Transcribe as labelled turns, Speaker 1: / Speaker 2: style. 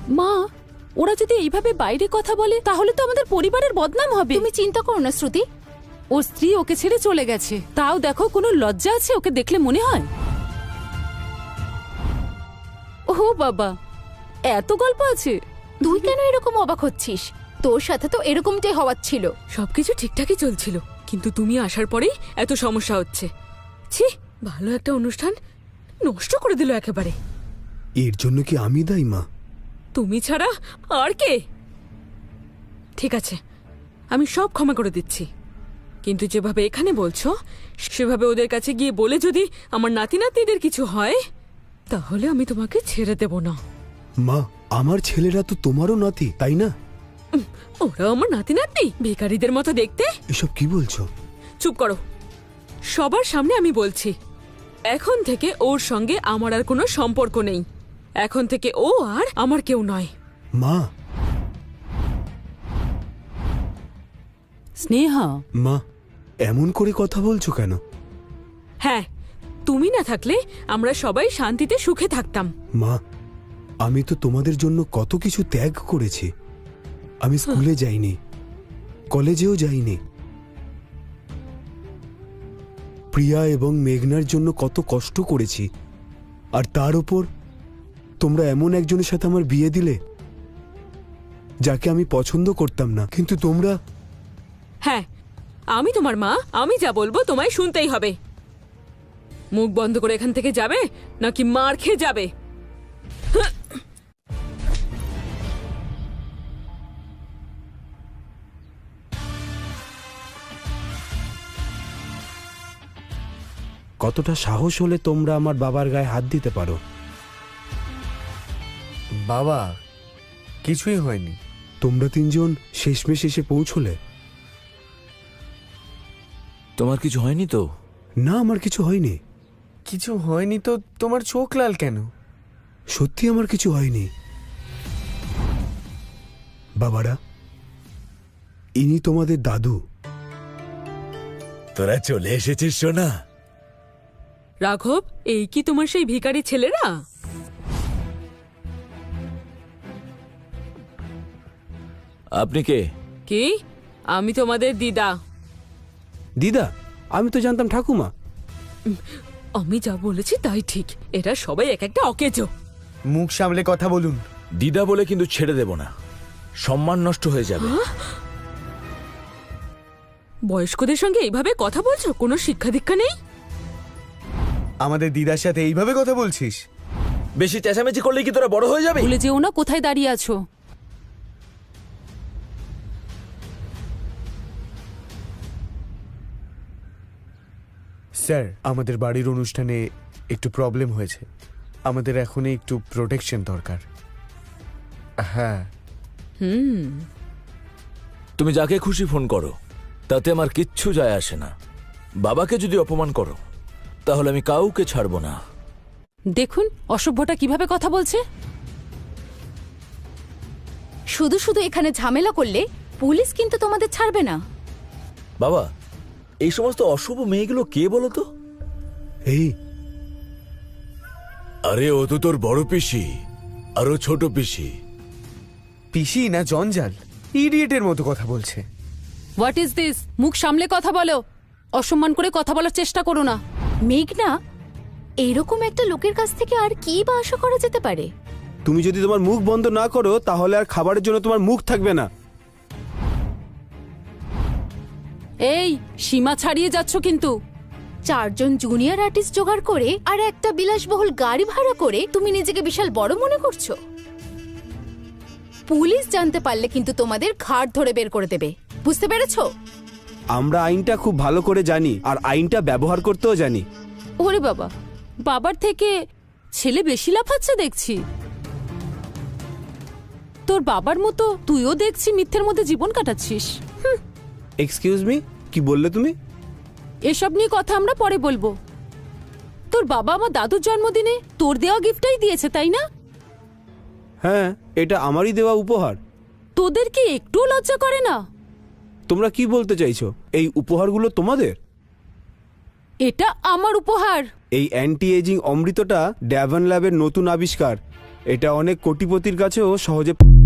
Speaker 1: মা, ওরা যদি এইভাবে বাইরে কথা বলে তাহলে তো আমাদের পরিবারের বদনাম হবে।
Speaker 2: তুমি চিন্তা করো না শ্রুতি,
Speaker 1: ওর স্ত্রী ওকে ছেড়ে চলে গেছে, তাও দেখো কোনো লজ্জা আছে ওকে দেখলে মনে হয়? ও বাবা, এত গল্প আছে।
Speaker 2: তুই কেন এরকম অবাক হচ্ছিস? তোর সাথে তো এরকমটাই হওয়ার ছিল।
Speaker 3: সবকিছু ঠিকঠাকই চলছিল, কিন্তু তুমি আসার পরেই এত সমস্যা হচ্ছে। ছি, ভালো একটা অনুষ্ঠান নষ্ট করে দিল একেবারে।
Speaker 4: এর জন্য কি আমি দায়ী মা?
Speaker 3: তুমি ছাড়া আর কে? ঠিক আছে, আমি সব ক্ষমা করে দিচ্ছি, কিন্তু যেভাবে এখানে বলছো সেভাবে ওদের কাছে গিয়ে বলে যদি আমার নাতি নাতনিদের কিছু হয় তাহলে আমি তোমাকে ছেড়ে দেব না।
Speaker 4: মা, আমার ছেলেরা তো তোমারও নাতি, তাই না?
Speaker 3: ওরা আমার নাতি নাতনি, ভিখারিদের মতো দেখতে।
Speaker 4: এসব কি বলছো?
Speaker 3: চুপ করো, সবার সামনে আমি বলছি, এখন থেকে ওর সঙ্গে আমার আর কোনো সম্পর্ক নেই। এখন থেকে ও আর আমার কেউ নয়।
Speaker 4: মা।
Speaker 1: স্নেহা,
Speaker 4: মা, এমন করে কথা বলছো কেন?
Speaker 3: হ্যাঁ, তুমি না থাকলে আমরা সবাই শান্তিতে সুখে থাকতাম।
Speaker 4: মা, আমি তো তোমাদের জন্য কত কিছু ত্যাগ করেছি। আমি স্কুলে যাইনি, কলেজেও যাইনি, প্রিয়া এবং মেঘনার জন্য কত কষ্ট করেছি, আর তার উপর তোমরা এমন একজনের সাথে আমার বিয়ে দিলে যাকে আমি পছন্দ করতাম না। কিন্তু তোমরা...
Speaker 3: হ্যাঁ, আমি তোমার মা, আমি যা বলবো তোমায় শুনতেই হবে। মুখ বন্ধ করে এখান থেকে যাবে নাকি মার খেয়ে যাবে?
Speaker 4: কতটা সাহস হলে তোমরা আমার বাবার গায়ে হাত দিতে পারো?
Speaker 5: বাবা, কিছুই হয়নি।
Speaker 4: তোমরা তিনজন শেষমেশ এসে পৌঁছলে।
Speaker 6: তোমার কিছু হয়নি তো?
Speaker 4: না, আমার কিছু হয়নি।
Speaker 5: কিছু হয়নি তো তোমার চোখ লাল কেন?
Speaker 4: সত্যি আমার কিছু হয়নি। বাবারা, ইনি তোমাদের দাদু।
Speaker 6: তোরা চলে এসেছিস সোনা।
Speaker 3: রাঘব, এই কি তোমার সেই ভিখারি ছেলেরা?
Speaker 6: আপনি কে?
Speaker 3: কি? আমি তোমাদের দিদা।
Speaker 4: দিদা? আমি তো জানতাম ঠাকুমা।
Speaker 3: আমি যা বলেছি তাই ঠিক, এরা সবাই এক একটা অকেজো।
Speaker 5: মুখ সামলে কথা বলুন।
Speaker 6: দিদা বলে কিন্তু ছেড়ে দেব না, সম্মান নষ্ট হয়ে যাবে।
Speaker 3: বয়স্কদের সঙ্গে এইভাবে কথা বলছো? কোনো শিক্ষা দীক্ষা নেই?
Speaker 5: আমাদের দিদার সাথে এইভাবে কথা বলছিস?
Speaker 6: বেশি চেঁচামেচি করলে কি তোরা বড় হয়ে যাবে?
Speaker 1: ভুলে যেও না কোথায় দাঁড়িয়ে আছো।
Speaker 5: স্যার, আমাদের বাড়ির অনুষ্ঠানে একটু প্রবলেম হয়েছে। আমাদের এখনই একটু প্রোটেকশন দরকার। হ্যাঁ।
Speaker 6: তুমি যাকে খুশি ফোন করো, তাতে আমার কিচ্ছু যায় আসে না। বাবাকে যদি অপমান করো তাহলে আমি কাউকে ছাড়বো না।
Speaker 1: দেখুন অসভ্যটা কিভাবে কথা বলছে।
Speaker 2: শুধু শুধু এখানে ঝামেলা করলে পুলিশ কিন্তু তোমাদের ছাড়বে না।
Speaker 6: বাবা, এই সমস্ত অশুভ মেয়েগুলো কে বলো তো?
Speaker 4: এই,
Speaker 6: আরে ও তো তোর বড় পিসি, আরো ছোট পিসি।
Speaker 5: পিসি না জঞ্জাল, ইডিয়েটের মতো কথা বলছে।
Speaker 1: What is this? মুখ সামলে কথা বলো, অসম্মান করে কথা বলার চেষ্টা করো না।
Speaker 2: মেঘনা, এরকম একটা লোকের কাছ থেকে আর কি বা আশা করা যেতে পারে?
Speaker 4: তুমি যদি তোমার মুখ বন্ধ না করো তাহলে আর খাবারের জন্য তোমার মুখ থাকবে না।
Speaker 1: এই, সীমা ছাড়িয়ে যাচ্ছ কিন্তু।
Speaker 2: 4 জন জুনিয়র আর্টিস্ট জোগাড় করে আর একটা বিলাসবহুল গাড়ি ভাড়া করে তুমি নিজেকে বিশাল বড় মনে করছো। পুলিশ জানতে পারলে কিন্তু তোমাদের ঘাড় ধরে বের করে দেবে, বুঝতে পেরেছো?
Speaker 4: আমরা আইনটা খুব ভালো করে জানি, আর আইনটা ব্যবহার করতেও জানি।
Speaker 1: ওরে বাবা, বাবার থেকে ছেলে বেশি লাফাচ্ছে দেখছি। তোর বাবার মতো তুইও দেখছি মিথ্যের মধ্যে জীবন কাটাচ্ছিস।
Speaker 4: এক্সকিউজ মি, কি বললে তুমি?
Speaker 1: এসব নিয়ে কথা আমরা পরে বলবো। তোর বাবা আমার দাদুর জন্মদিনে তোর দেওয়া গিফটটাই দিয়েছে, তাই না?
Speaker 4: হ্যাঁ, এটা আমারই দেওয়া উপহার।
Speaker 1: তোদের কি একটু লজ্জা করে না?
Speaker 4: তোমরা কি বলতে চাইছো? এই উপহারগুলো তোমাদের?
Speaker 1: এটা আমার উপহার।
Speaker 4: এই অ্যান্টি এজিং অমৃতটা ড্যাভন ল্যাবের নতুন আবিষ্কার। এটা অনেক কোটিপতির কাছেও সহজে